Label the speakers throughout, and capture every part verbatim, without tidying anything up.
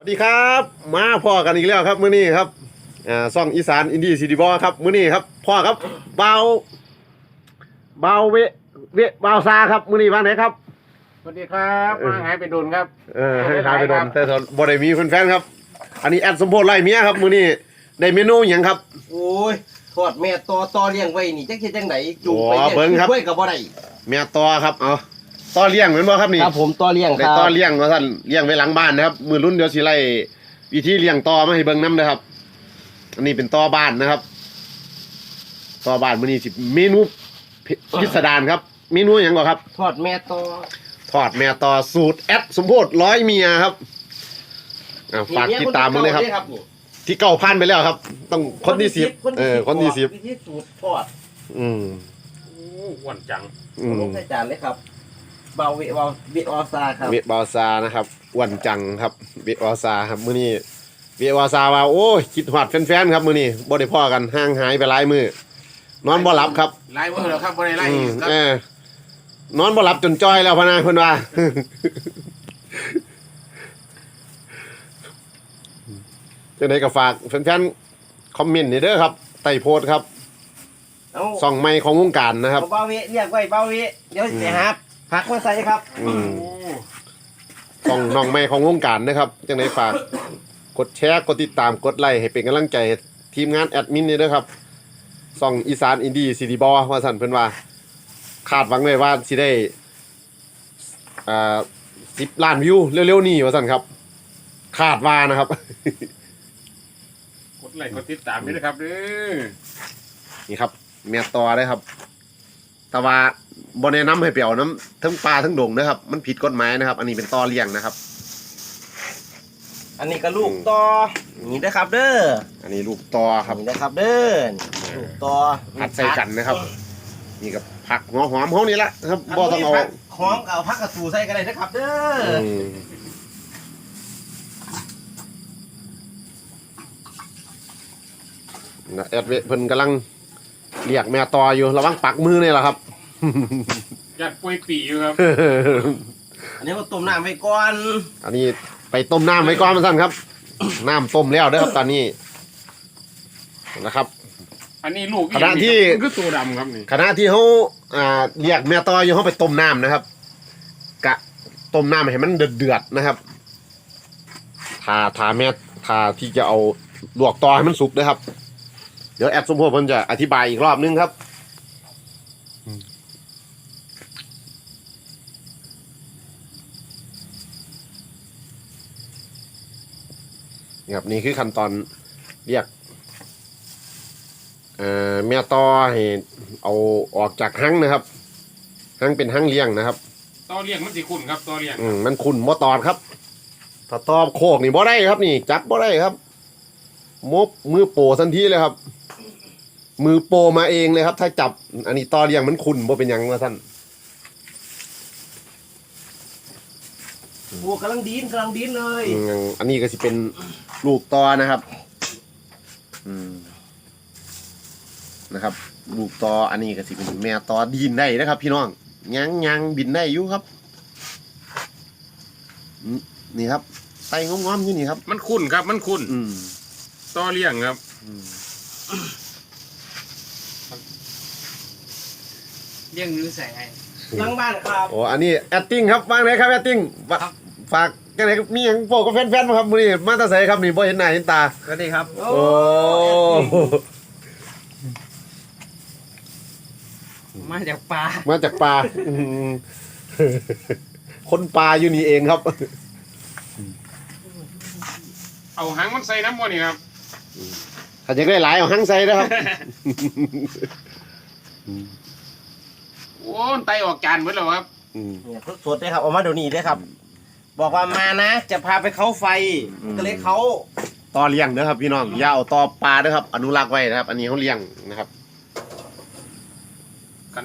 Speaker 1: สวัสดีครับมาพ่อกันอีกแล้วครับมื้อนี้ครับอ่าซ่องอีสานอินดี้ซีดีบอครับมื้อนี้ครับพ่อครับเบาเบาเวเวเบาซาครับมื้อนี้ว่าไหนครับ
Speaker 2: สวัสดีครับมาหายไปโดนครับ
Speaker 1: เออให้ทายไปโดนแต่บ่ได้มีแฟนๆครับอันนี้แอดสมโพธิไล่เมียครับมื้อนี้ได้เมนูหยังครับ
Speaker 3: โอ้ยทอดแม่ตอตอเลี้ยงไว้นี่จักเฮ็ดจังไดจูงไป
Speaker 1: อ๋อเบิ่งครับ
Speaker 3: ช่วยก็บ่ได้
Speaker 1: แม่ตอครับเอาตอเลี้ยงเหมือนบ่ครับนี่
Speaker 3: ครับผมตอเลี้ยงค
Speaker 1: ได้
Speaker 3: รับ
Speaker 1: ตอเลี้ยงว่าซั่นเลี้ยงไว้หลังบ้านนะครับมื้อรุ่นเดี๋ยวสิไล่วิธีเลี้ยงตอมาให้เบิ่งนำนะครับอันนี้เป็นตอบ้านนะครับตอบ้านมื้อนี้สิเมนูพิสดารครับเมนูหยังบ่ครับ
Speaker 3: ทอดแม่ตอ
Speaker 1: ทอดแม่ตอสูตรแอดสมโพธิร้อยเมียครับอ่าฝากติดตามมึงเลยครับที่เก้าพันไปแล้วครับ ต้องคนที่สิบเออคนที่สิบ
Speaker 3: วิธีสูตรทอด
Speaker 1: อืม
Speaker 2: โอ้อ้วนจัง
Speaker 1: อืม
Speaker 3: ลงใส่จานเลยครับเบาเวเบาเวออซาครับ
Speaker 1: เวบอซานะครับอ้วนจังครับเวบอซาครับมื้อนี้เวบอซาว่าโอ้ยคิดฮอดแฟนๆครับมื้อนี้บ่ได้พ้อกันห่างหายไปหลายมื้อนอนบ่หลับครับ
Speaker 2: ไล่เมื่อแล้วครับบ่ได้ไล่
Speaker 1: อืม
Speaker 2: ครับ
Speaker 1: เออนอนบ่หลับจนจ้อยแล้วพะนะเพิ่นว่า จังได๋ก็ฝากแฟนๆคอมเมนต์นี่เด้อครับใต้โพสต์ครับ
Speaker 3: เอา
Speaker 1: ส่องไม้ของวงการนะครับ
Speaker 3: เอาเบาเวเรียกไว้เบาเวเดี๋ยวสิหาผักมาใส่ครับ
Speaker 1: อืมส่องน้องไม้ของวงการนะครับจังได๋ฝากกดแชร์กดติดตามกดไลค์ให้เป็นกำลังใจให้ทีมงานแอดมินนี่เด้อครับส่องอีสานอินดี้ซีดีบอว่าซั่นเพิ่นว่าคาดหวังไว้ว่าสิได้อ่าสิบล้านวิวเร็วๆนี้ว่าซั่นครับคาดว่านะครับ
Speaker 2: กดไลค์กดติดตามด้วยนะครับเด้อ
Speaker 1: นี่ครับแม่ตอได้ครับแต่ว่าบ่แนะนำให้ไปเอาน้ำทั้งปลาทั้งดงนะครับมันผิดกฎหมายนะครับ อันนี้เป็นตอเลี้ยงนะครับ
Speaker 3: อันนี้ก็ลูกตอนี่นะครับเด้อ
Speaker 1: อันนี้ลูกตอครับ
Speaker 3: นี่นะครับเด้อลูกตอ
Speaker 1: ผัดใส่กันนะครับนี่กับผักหัวหอมเขานี่ละครับบ่ต้องเอา
Speaker 3: ผักหอมเอาผักกระสูใส่กันเลยนะครับเด้อ
Speaker 1: อืมนะแอดเวเพิ่นกำลังเรียกแม่ตออยู่ระวังปักมือนี่แหละครับ
Speaker 2: ยัดป่วยปีอยู่ครับ
Speaker 3: อันนี้ก็ต้มน้ำไว้ก่อน
Speaker 1: อันนี้ไปต้มน้ำไว้ก่อนมาสั่นครับ น้ำต้มแล้วเด้อครับตอนนี้นะครับ
Speaker 2: อันนี้ลูก
Speaker 1: ขณะที่
Speaker 2: มันคือตัวดำครับนี่
Speaker 1: ขณะที่เขาอ่าเรียกแม่ตออยู่เขาไปต้มน้ำนะครับกะต้มน้ำให้มันเดือดเดือดๆนะครับทาทาแม่ทาที่จะเอาลวกตอให้มันสุกนะครับเดี๋ยวแอดสมโพธิเพิ่นจะอธิบายอีกรอบนึงครับนี่ครับนี่คือขั้นตอนเรียกเอ่อแม่ตอให้เอาออกจากหั่งนะครับหั่งเป็นหั่งเลี้ยงนะครับ
Speaker 2: ตอเลี้ยงมันสิคุณครับตอเลี้ยง
Speaker 1: อืมมันขุ่นบ่ตอดครับถ้าตอบโคกนี่บ่ได้ครับนี่จับบ่ได้ครับมบมือโปทันทีเลยครับ มือโปมาเองเลยครับ ถ้าจับอันนี้ตอเลี้ยงมันขุ่นบ่เป็นหยังว่าท่าน
Speaker 3: บัวกำลังดีนกำลังดีนเลย
Speaker 1: อืมอันนี้ก็สิเป็นลูกตอนะครับอืมนะครับ ลูกตออันนี้ก็สิเป็นแม่ตอดินได้นะครับ พี่น้องยังยังบินได้อยู่ครับอืมนี่ครับไส้งอมๆอยู่นี่ครับ
Speaker 2: มันคุณครับมันคุณ
Speaker 1: อืม
Speaker 2: ตอเลี้ยงครับ
Speaker 1: อืม
Speaker 4: เรื่องรู้ใส่ไง
Speaker 3: หลังบ้านครับ
Speaker 1: โอ้อันนี้แอตติ้งครับว่างไหนครับแอตติ้งฝากกันไหนมีอย่างโปกับแฟนๆมาครับมื้อนี้มาแตาใสครับนี่บ่เห็นหน้าเห็นตา
Speaker 4: สวัสดีครับ
Speaker 3: โอ้
Speaker 1: โอ้
Speaker 4: มาจากปลา
Speaker 1: มาจากป่าอืมคนป่าอยู่นี่เองครับ
Speaker 2: เอาหางมันใส่น้ำมันนี่ครับ
Speaker 1: ถ้าอยากได้หลายเอาหั่งใส่นะครับ
Speaker 2: โอ้ยไตออกจานหมดแล้วครับ
Speaker 1: อืม
Speaker 3: เนี่ยสดๆเลยครับออกมาเดี๋ยวนี้เลยครับ บอกว่ามานะ จะพาไปเขาไฟ
Speaker 1: อืม
Speaker 3: ก็เลยเขา
Speaker 1: ต่อเลี้ยงนะครับพี่น้องอย่าเอาต่อปลาเด้อครับอนุรักษ์ไว้นะครับ อันนี้เขาเลี้ยงนะครับ
Speaker 2: กัน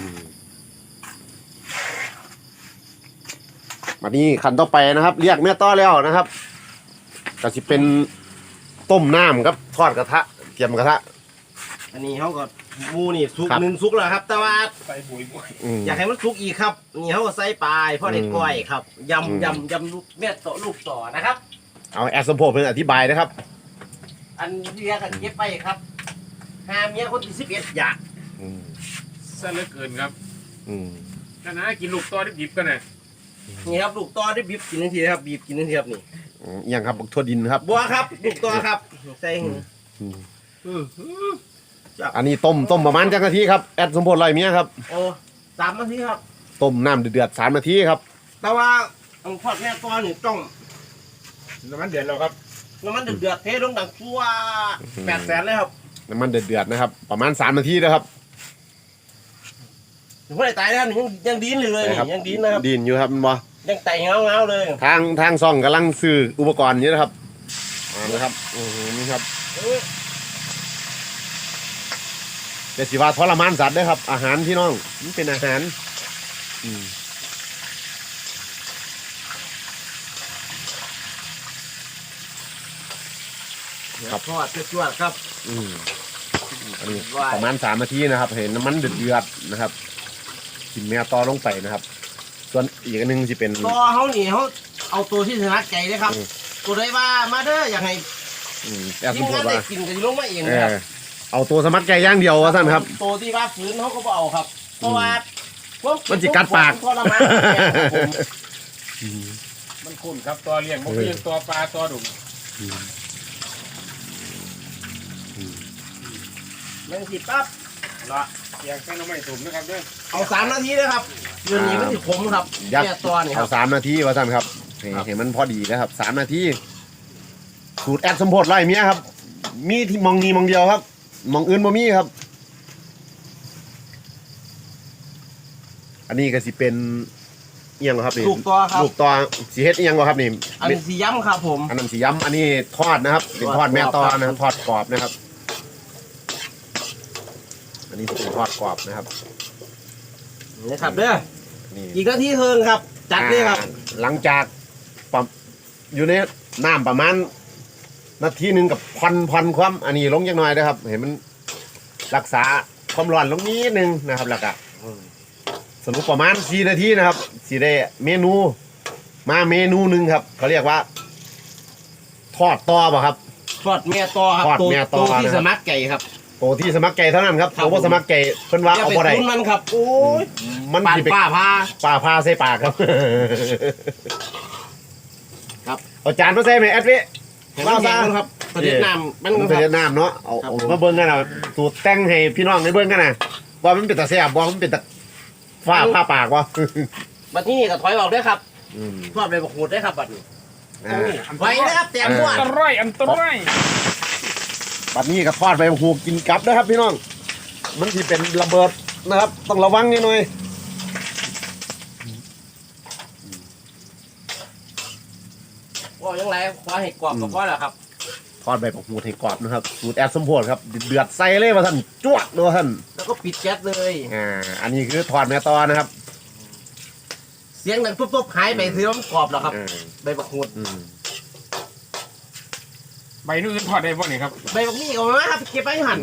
Speaker 1: มานี่ขั้นต่อไปนะครับเรียกแม่ต้อแล้วนะครับก็สิเป็นต้มน้ำครับทอดกระทะเตรียมกระทะ
Speaker 3: อันนี้เขาก็หมูนี่สุก
Speaker 1: ครับ
Speaker 3: หนึ่งสุกแล้วครับ แต่ว่า
Speaker 2: ใส่ปุ๋ยปุ๋ย
Speaker 1: อืม
Speaker 3: อยากให้มันสุกอีกครับนี่เขาก็ใส่ปลายเพราะได้
Speaker 1: อืม
Speaker 3: ก้อยครับ
Speaker 1: อืม
Speaker 3: ยำยำยำลูกเม็ดต่อลูกต่อนะครับ
Speaker 1: เอาแอดสมโพธิ์เพิ่นอธิบายนะครับ
Speaker 3: อันเรียกันเก็บไปครับหาเมียคนที่สิบเอ็ดอยาก
Speaker 1: อืม
Speaker 2: ซะเหลือเกินครับ
Speaker 1: อืม
Speaker 2: นั่นนะกินลูกตอดิบๆกันน่ะ
Speaker 3: นี่ครับลูกต่อได้บีบกินทันทีครับบีบกินทันทีครับนี่
Speaker 1: อืมอหยังครับบักทั่วดินครับ
Speaker 3: บัวครับลูกต่อครับใส่หือ
Speaker 1: อืม
Speaker 2: อื้อหือ
Speaker 1: อันนี้ต้มต้มประมาณจักนาทีครับแอดสมโพธิ์ไรเมียครับ
Speaker 3: โอ้สามนาทีครับ
Speaker 1: ต้มน้ำเดือดๆสามนาทีครับ
Speaker 3: แต่ว่าอังทอดแม่ต่อนี่ต้อง
Speaker 2: น้ำมันเดือดแล้วครับ
Speaker 3: น้ำมันเดือดๆเทลงดังชัวแปดแสนเลยครับ
Speaker 1: น้ำมันเดือดๆนะครับ ประมาณสามนาทีนะครับ
Speaker 3: ถึงไม่ได้ตายนะครับนี่ยังยังดีนอยู่เลยนี่ยังดีนนะครับ
Speaker 1: ดินอยู่ครับมันบ่
Speaker 3: ยังไต่เงาเงาๆเลย
Speaker 1: ทางทางซ่องกำลังซื้ออุปกรณ์อยู่นะครับอ่านะครับอือหือนี่ครับ
Speaker 3: เออ
Speaker 1: แต่สิว่าทรมานสัตว์เด้อครับ อาหารพี่น้องมันเป็นอาหารอืม
Speaker 3: ครับทอดจวดๆครับ
Speaker 1: อืมอันนี้
Speaker 3: ว้าย
Speaker 1: ประมาณสามนาทีนะครับ เห็นน้ำมันเดือดๆนะครับกินแม่ต่อลงไปนะครับ ส่วนอีกอันหนึงจะเป็น
Speaker 3: ตัวเขานี่เขาเอาตัวที่ชนะใจเลยครับ
Speaker 1: อืม
Speaker 3: ตัวได้ว่ามาเด้ออยากให้
Speaker 1: อืมแต่ส
Speaker 3: ที
Speaker 1: ม
Speaker 3: ม
Speaker 1: ม
Speaker 3: งาน
Speaker 1: ติว่า
Speaker 3: ได้กินกันลงมาเอง
Speaker 1: เอ
Speaker 3: นะครับ
Speaker 1: อเอาตัวสมัครใจอย่างเดียวว่าสั้นครับ
Speaker 3: ตัวที่ว่าฝืนเขาก็บ่เอาครับ เพราะว่าพว
Speaker 1: มันสิกัดปาก
Speaker 3: ทรมานครับผม
Speaker 2: มันคุ้นครับตัวเลี้ยงมันก็ยังตัวปลาตัวดุ่ม
Speaker 3: มันสิปั๊บ
Speaker 2: ละเสียงแค่น้ำไม่ถุ่มนะครับเด้อ
Speaker 3: เอาสามนาทีเลยครับเดือนนี้มันสิขมครับ
Speaker 1: ยัด
Speaker 3: แค่ตัวนี่ค
Speaker 1: เอา
Speaker 3: รับ
Speaker 1: สามนาทีว่าสั้นครับเห็น
Speaker 3: ครับ
Speaker 1: เห็นมันพอดีนะครับสามนาทีสูตรแอดสมโพธิ์ไล่เมียครับ มีที่มองนีมองเดียวครับมองอื่นบ่มีครับ อันนี้ก็สิเป็นเอียงบ่ครับนี่
Speaker 3: ลูกตัวครับ
Speaker 1: ลูกตัวสีเฮ็ดเอียงบ่ครับนี่
Speaker 3: อันนี้สีย้ำครับผม
Speaker 1: อันนั้นสีย้ำอันนี้ทอดนะครับเป็นทอดแม่ตอนะครับทอดกรอบนะครับ อันนี้เป็นทอดกรอบนะครับ
Speaker 3: นี่ครับเด้อ
Speaker 1: นี่
Speaker 3: อีกนาทีเฮิงครับ จัดเลยครับ
Speaker 1: อ่าหลังจากปรับอยู่ในน้ำประมาณนาทีหนึ่งกับพันพันความอันนี้ลงยังน้อยนะครับ เห็นมันรักษาความร้อนลงนิดนึงนะครับแล้วก็สรุปประมาณสี่นาทีนะครับสีได้เมนู มาเมนูหนึ่งครับเขาเรียกว่า ทอดต่อป่ะครับ
Speaker 3: ทอดแม่ตอครับ
Speaker 1: ทอดแม่ตอ
Speaker 3: ตัวที่
Speaker 1: นะครับ
Speaker 3: สมัครไก่ครับ
Speaker 1: โตที่สมัครใจเท่านั้นครับ
Speaker 3: ครับ
Speaker 1: โตว่าสมัครใจเพิ่นว่า
Speaker 3: อย่า
Speaker 1: เอา
Speaker 3: ไป
Speaker 1: บ่ได้
Speaker 3: คุ้นมันครับ โอ้ย
Speaker 1: มัน
Speaker 3: ปาด
Speaker 1: สิไป
Speaker 3: ป้าพา
Speaker 1: ป่าพาใส่ปากครับ
Speaker 3: ครับ
Speaker 1: เอาจานมาใส่ไหมแอดวิ
Speaker 3: เห็นมันแห้งครับประเด็นน้ำมัน
Speaker 1: มัน
Speaker 3: ค
Speaker 1: เป็น
Speaker 3: รับ
Speaker 1: น้ำเนาะเอา
Speaker 3: ครับ
Speaker 1: เอา
Speaker 3: ผม
Speaker 1: มาเบิ่งกันนะสูตรแต่งให้พี่น้องได้เบิ่งกันนะว่ามันเป็นตาแซ่บว่ามันเป็นตาฟ้าผ้าปากวะ
Speaker 3: บัดนี้ก็ถอยออกด้วยครับ
Speaker 1: อืม
Speaker 3: ทอดใบบักหูดด้วยครับบัดนี้
Speaker 1: อ่า
Speaker 3: ไว้นะครับเตรียมด้ว
Speaker 2: อั
Speaker 3: ย
Speaker 2: นตรายอันตราย
Speaker 1: บัดนี้ก็ทอดไปหูกินกลับนะครับ พี่น้อง มันที่เป็นระเบิดนะครับ ต้องระวังนิดหน่อย
Speaker 3: ว่ายังไงขอให้กรอบกับพ่อแหละครับ
Speaker 1: ทอดใบผักหูให้กรอบนะครับสูตรแอดสมโพธิครับเดือดใส่เลยว่าท่านจวดเลยว่าท่าน
Speaker 3: แล้วก็ปิดแก๊สเลย
Speaker 1: อ่าอันนี้คือทอดแม่ตอนะครับ
Speaker 3: เสียงดังตุ๊บๆหายไปถือว่ามันกรอบแล้วครับ
Speaker 1: อ่า
Speaker 3: ใบบักหูด
Speaker 1: อืม
Speaker 2: ใบนู้นทอดได้ป่ะนี่ครับ
Speaker 3: ใบบักนี่ก็มาครับเก็บไปหั่น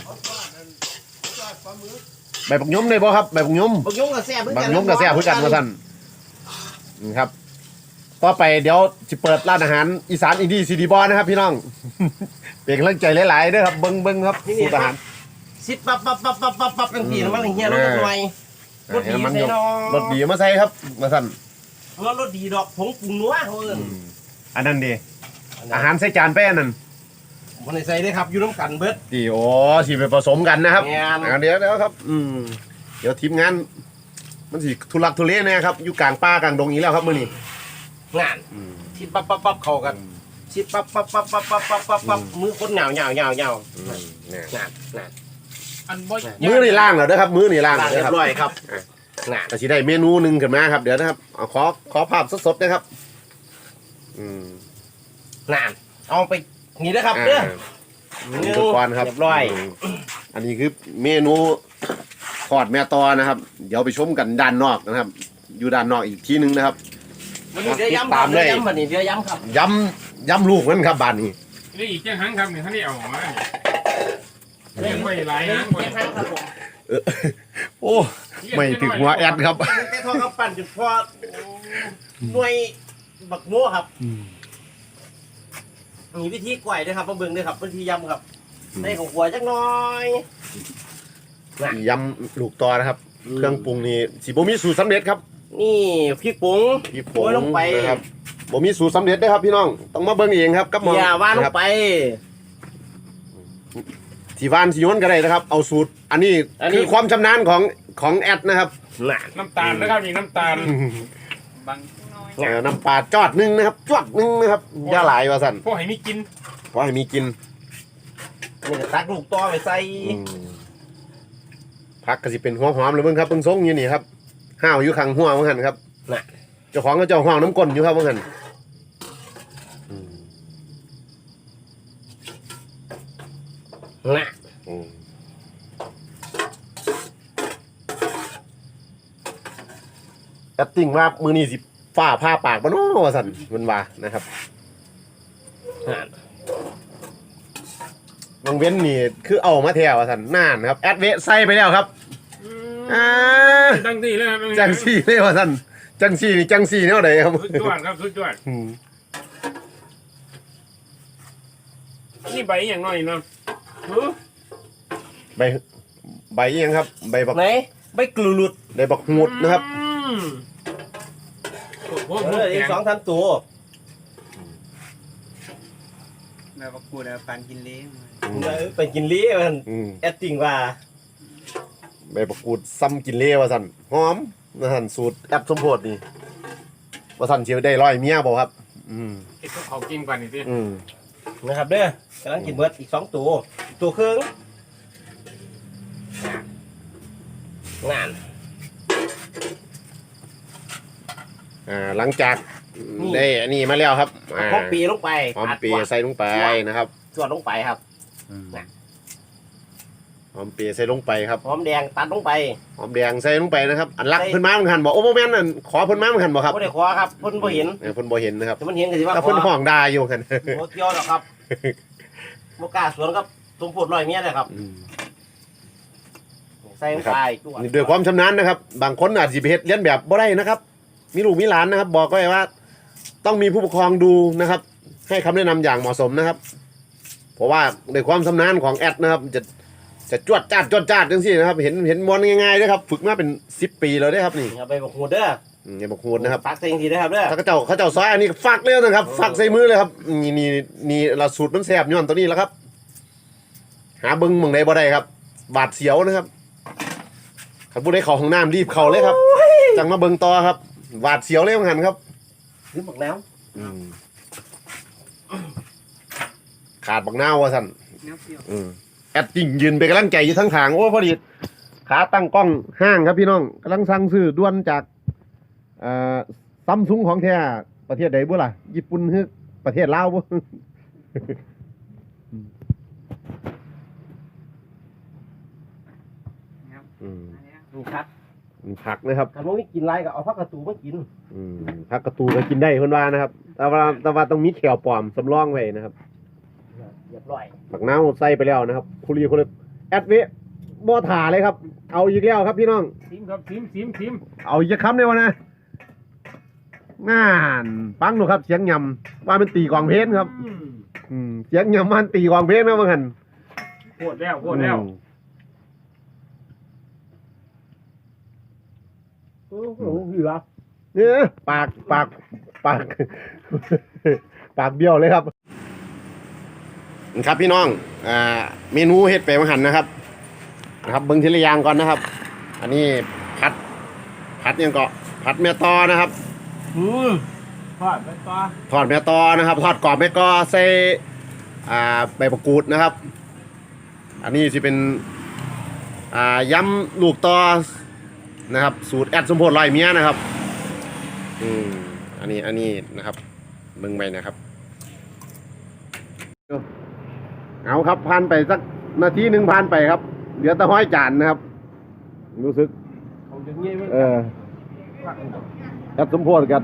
Speaker 1: ใบผักยมเลยบ่ครับใบผักยม
Speaker 3: บักยงกับแซ่บเพื่
Speaker 1: บางยมกับแซ่บเพื่อกันว่าท่านนี่ครับ ต่อไปเดี๋ยวจะเปิดร้านอาหารอีสานอินดี้ซีดีบอนะครับ พี่น้อง เป็นกำลังใจหลายๆเด้อครับเบิ้งเบิ้งครับสูตรอาหาร
Speaker 3: ซิดปั๊บปั๊บปั๊บปั๊บปั๊บปั๊บกันทีมันเฮียรถหน่อยรถดี
Speaker 1: ให้มัน
Speaker 3: ใส่
Speaker 1: ยก
Speaker 3: นอ
Speaker 1: รสดีมาใส่ครับมาสั่น
Speaker 3: รถรถดีดอกผงปรุงนัวเขาเอิ้น
Speaker 1: อันนั้นดีอาหารใส่จานแป้นนั่น
Speaker 3: มันได้ใส่ได้ครับอยู่น้ำกันเบิด
Speaker 1: ดีโอ้ที่ไปผสมกันนะครับ
Speaker 3: แม่น
Speaker 1: อ่าเดี๋ยวเดี๋ยวครับ อืมเดี๋ยวทีมงาน มันสิทุลักทุเลแนะครับ อยู่กลางป่ากลางดงอีกแล้วครับมื้อนี้
Speaker 3: งานชิดปั๊บปั๊บปั๊บเข้ากันชิดปั๊บปั๊บปั๊บปั๊บปั๊บปั๊บปั๊บปั๊บมือคนเหงาเหงาเหงาเหงา
Speaker 1: อืมเนี่ย
Speaker 3: งานงาน
Speaker 2: อันบ่
Speaker 1: มื้อนี่ล่างแล้วเด้อครับ มื้อนี่ล่าง
Speaker 3: ล้าง
Speaker 1: แล้ว
Speaker 3: เรีย
Speaker 1: ครับ
Speaker 3: บร้อยครับงาน
Speaker 1: ก็สิได้เมนูหนึ่งขึ้นมาครับเดี๋ยวนะครับเอาขอขอภาพสดๆนะครับ อืม
Speaker 3: งานเอาไปนี่นะครับ
Speaker 1: อ่า
Speaker 3: เด้อ
Speaker 1: อุปกรณ์ครับ
Speaker 3: เรียบร้อย
Speaker 1: มอันนี้คือเมนูทอดแม่ตอนะครับ เดี๋ยวไปชมกันด้านนอกนะครับ อยู่ด้านนอกอีกทีนึงนะครับ
Speaker 3: วันนี้เดี๋ยวย้ำค
Speaker 1: ตา
Speaker 3: รั
Speaker 1: ม
Speaker 3: บ
Speaker 1: เล
Speaker 3: เดี๋ยวย ย้ำวันนี้เดี๋ยวย้ำครับ
Speaker 1: ย้ำย้ำลูกมันครับบ้านนี้
Speaker 2: นี่อีกแค่ครั้งครับนี่ท่านนี่เอามาเลี้ยงไว้หลาย
Speaker 3: เดี๋ยว
Speaker 2: นะ
Speaker 3: แค่ครั้งครับผม
Speaker 1: เออโอ้ไม่ถึงหัวแอดครับ
Speaker 3: แต่ทองกับปั่นจุดพอหน่วยบักโม่ครับมีวิธีกล้วยด้วยครับมาเบิ่งด้วยครับวิธียำครับใส่ของหัวจักหน่อย
Speaker 1: ยำลูกตอนะครับ เครื่องปรุงนี่สิบ่มีสูตรสำเร็จครับ
Speaker 3: นี่พริกปุ๋ง
Speaker 1: พี่ผ
Speaker 3: โรยลงไป
Speaker 1: นะครับบ่มีสูตรสำเร็จเด้อครับพี่น้องต้องมาเบิ่งเองครับกับหมอ
Speaker 3: อย่าว่าล
Speaker 1: นะ
Speaker 3: ง
Speaker 1: ครับ
Speaker 3: ไป
Speaker 1: ที่บ้านสิโยนก็ได้นะครับ เอาสูตร อันนี้
Speaker 3: อันนี้
Speaker 1: คือความชำนาญของของแอดนะครับ
Speaker 3: น่ะ
Speaker 2: น้ำตาลนะครับนี่น้ำตาล
Speaker 4: บางน้อย
Speaker 1: เออน้ำปลาจอดหนึงนะครับจวดหนึงนะครับอย่าหลายว่าสั่น
Speaker 2: พวกให้มีกิน
Speaker 1: เพราะให้มีกิน
Speaker 3: นี่ก็ตักลูกต่อไปใส่
Speaker 1: อืมผักก็สิเป็นหัวหอมเลยเบิ่งครับเบิ่งทรงอยู่นี่ครับห้าวอยู่ข้างหัวว่าหั่นครับ
Speaker 3: น่ะ
Speaker 1: เจ้าของก็เจ้าห้องน้ำก้นอยู่ครับว่าหั่นอืม
Speaker 3: น่ะ
Speaker 1: อืมแอดติ้งว่ามือนี้สิฝ้าผ้าปากบ่เนาะว่าสั่นมันว่านะครับ
Speaker 3: น่ะ
Speaker 1: บางเว้นนี่คือเอามาแถวว่าสั่นน่านครับแอดเวะใส่ไปแล้วครับอ่า
Speaker 2: ตั้งที่เลยครับ
Speaker 1: จังซี่เลยว่าสั่นจังซี่นี่จังซี่แนวใดครับ
Speaker 2: สุดยอดครับสุดยอด
Speaker 1: อืม
Speaker 2: นี่ใบอย่างน้อยเนาะเออ
Speaker 1: ใบใบอิหยังครับ ใบบัก
Speaker 3: ไหนใบกลูลุด
Speaker 1: ใบบักหูดนะครับ
Speaker 2: อืมโอ้โห
Speaker 3: เอออีกสองสามตัว
Speaker 4: แบบว่ากูแบบปานกินเลี้ยง
Speaker 3: เออไปกินลี้มัน
Speaker 1: อืม
Speaker 3: แอดติ้งว่า
Speaker 1: ใบบักกูดซ้ำกินเล่ว่าสั่นหอมนะสั่นสูตรแอปสมโพธินี่ว่าสั่นเชียวได้ร้อยเมียบ่ครับ อืม
Speaker 2: ไอ้พวกเขากินกว่านี่สิ
Speaker 1: อืม
Speaker 3: นะครับเด้อกำลังกินเบิดอีกสองตัวตัวครึ่งงาน
Speaker 1: อ่าหลังจากได้อันนี้มาแล้วครับอ่า
Speaker 3: หอมปีลงไป
Speaker 1: หอมปีใส่ลงไปนะครับ
Speaker 3: ส่วนลงไปครับ
Speaker 1: หอมปีใส่ลงไปครับ
Speaker 3: หอมแดงตัดลงไป
Speaker 1: หอมแดงใส่ลงไปนะครับอันรัก
Speaker 3: ใส่
Speaker 1: เพิ่นมาเหมือนกันบอกโอ้โหแม่นนั่นขอเพิ่นมาเหมือนกันบอกครับ
Speaker 3: ไม่ได้ขอครับเพิ่นบ่เห็น
Speaker 1: เออเพิ่นบ่เห็นนะครับ
Speaker 3: แต่มันเห็นก็สิว่า
Speaker 1: ถ้า
Speaker 3: ขอ
Speaker 1: เพิ่นห้องด่าอยู่กัน
Speaker 3: บ่เกี่ยวหรอกครับบ่กล้าสวนกับสมโพธิร้อยเมียเลยครับ
Speaker 1: อืม
Speaker 3: ใส่ลงไปตัว
Speaker 1: นี่ด้วยความชำนาญนะครับ บางคนอาจสิไปเฮ็ดเลียนแบบบ่ได้นะครับ มีลูกมีหลานนะครับ บอกไว้ว่า ต้องมีผู้ปกครองดูนะครับ ให้คำแนะนำอย่างเหมาะสมนะครับ เพราะว่าด้วยความชำนาญของแอดนะครับ จะจะจวดจ้าดจวดจ้าดจังซี่นะครับ เห็นเห็นมอนง่ายๆนะครับ ฝึกมาเป็นสิบปีแล้วเด้อครับนี่
Speaker 3: เอาไปบอกหูเด้อ
Speaker 1: อืมอย่าบอกโหดนะครับ
Speaker 3: ปักใส่จังซี่เด้อครับเด้อ
Speaker 1: ถ้าเขาเจ้าเขาเจ้าซอยอันนี้ฟักเลยนะครับฟักใส่มือเลยครับนี่นี่นี่เราสูตรมันแสบย้อนตัวนี้แล้วครับ หาเบิ้งเมืองใดบ่ได้ครับ บาดเสียวนะครับขันผู้ใดเข้าห้องน้ำรีบเข้าเลยครับจังมาเบิ้งต่อครับบาดเสียวเลยเหมือนกันครับ
Speaker 3: ซื้อบักน้ำ
Speaker 1: อืมขาดบักหน้าวะสัน
Speaker 4: เนื้อเปรี้ยว
Speaker 1: อืมแอดจริงยืนไปนกำลังใจอยู่ทั้งทางโอ้พอดีขาตั้งกล้องห้างครับพี่น้องกำลังสั่งซื้อด่วนจากเอ่อซัมซุงของแท้ประเทศใดบ่ล่ะญี่ปุ่นหรือประเทศลาวบ่
Speaker 4: นะครับ
Speaker 1: อืม
Speaker 4: อันเนี้ย
Speaker 3: นี่ครับ
Speaker 1: ผักนะครับ
Speaker 3: ถ้าบ่มีกินไรก็เอาผักกระตูมากิน
Speaker 1: อืมผักกระตูก็กินได้เพิ่นว่านะครับ แต่ว่าแต่ว่าต้องมีแขวปลอมสำรองไว้นะครับ
Speaker 3: เรียบร้อย
Speaker 1: ผักน้าวใส่ไปแล้วนะครับคุรีคุรีแอดเวะบ่ถ่าเลยครับ เอาอีกแล้วครับพี่น้อง
Speaker 2: ซิมครับซิมซิมซิม
Speaker 1: เอาอีกจะคำเลยวะนะงานฟังดูครับ เสียงยำว่ามันตีกลองเพลงครับ
Speaker 2: อืม
Speaker 1: อืมเสียงยำมันตีกลองเพลงนะเมื่อกัน
Speaker 2: โคตรแล้วโคตรแล้ว
Speaker 3: โอ้โหเหลือ
Speaker 1: เนี่ยปากปากปาก ปากเบี้ยวเลยครับครับพี่น้องอ่าเมนูเฮ็ดไปมังหันนะครับนะครับเบิ้งทีละอย่างก่อนนะครับ อันนี้ผัดผัดยังเกาะผัดเมียตอนะครับ
Speaker 3: อืม
Speaker 2: ทอดไปต่อ
Speaker 1: ทอดเมียตอนะครับทอดกรอบเมียกอใส่อ่าใบมะกรูดนะครับ อันนี้จะเป็นอ่ายำลูกตอนะครับ สูตรแอดสมโพธิร้อยเมียนะครับอืมอันนี้อันนี้นะครับเบิ่งไปนะครับเอาครับผ่านไปสักนาทีหนึ่งผ่านไปครับเหลือแต่ห้อยจานนะครับ รู้สึก
Speaker 3: เอาอย่างงี้ไว้
Speaker 1: เออแอดสมโพธิกัน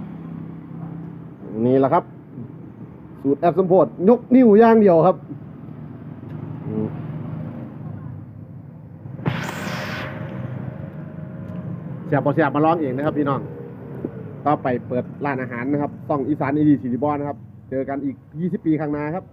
Speaker 1: นี่แหละครับ สูตรแอดสมโพธิยกนิ้วอย่างเดียวครับอืมเสียบพอเสียบมาลองเองนะครับพี่น้องต่อไปเปิดร้านอาหารนะครับต้องอีสานอีดีสีบอลนะครับเจอกันอีกยี่สิบปีข้างหน้าครับ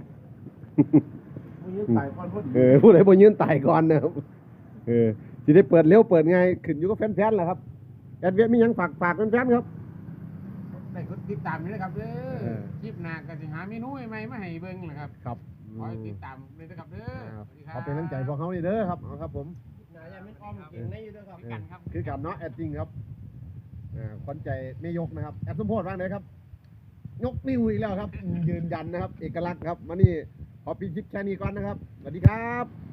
Speaker 3: ผู้ยืนตายก่อนพูด
Speaker 1: เออผู้ใดบ่ยืนตายก่อนนะครับเออสิได้เปิดเร็วเปิดง่ายขึ้นอยู่กับแฟนๆแหละครับแอดเวียมีหยังฝากฝากแฟนๆครับ
Speaker 2: ได้กดติดตามนี่นะครับเด้
Speaker 1: เอ
Speaker 2: อ
Speaker 1: อ
Speaker 2: คลิปหน้าก็สิหาเมนูใหม่ๆมาให้เบิ่งนะครับ
Speaker 1: ครับ
Speaker 2: ขอให้ติดตามเลยนะครับเด้อ
Speaker 1: อ่า
Speaker 2: สวัสดีครั
Speaker 1: ขอเป็นกำลังใจพวกเขานี่เด้อครับเอาครับผม
Speaker 3: นายยังไม่อ้อมเก่งในอยู่ด้วยครับ
Speaker 2: คือกันครับ
Speaker 1: คือกับเนาะแอดจริงครับอ่าขวัญใจไม่ยกนะครับแอดสมโพธิบ้างเลยครับ ยกนิ้วอีกแล้วครับ ยืนยันนะครับ เอกลักษณ์ครับมานี่ขอปิดคลิปแค่นี้ก่อนนะครับสวัสดีครับ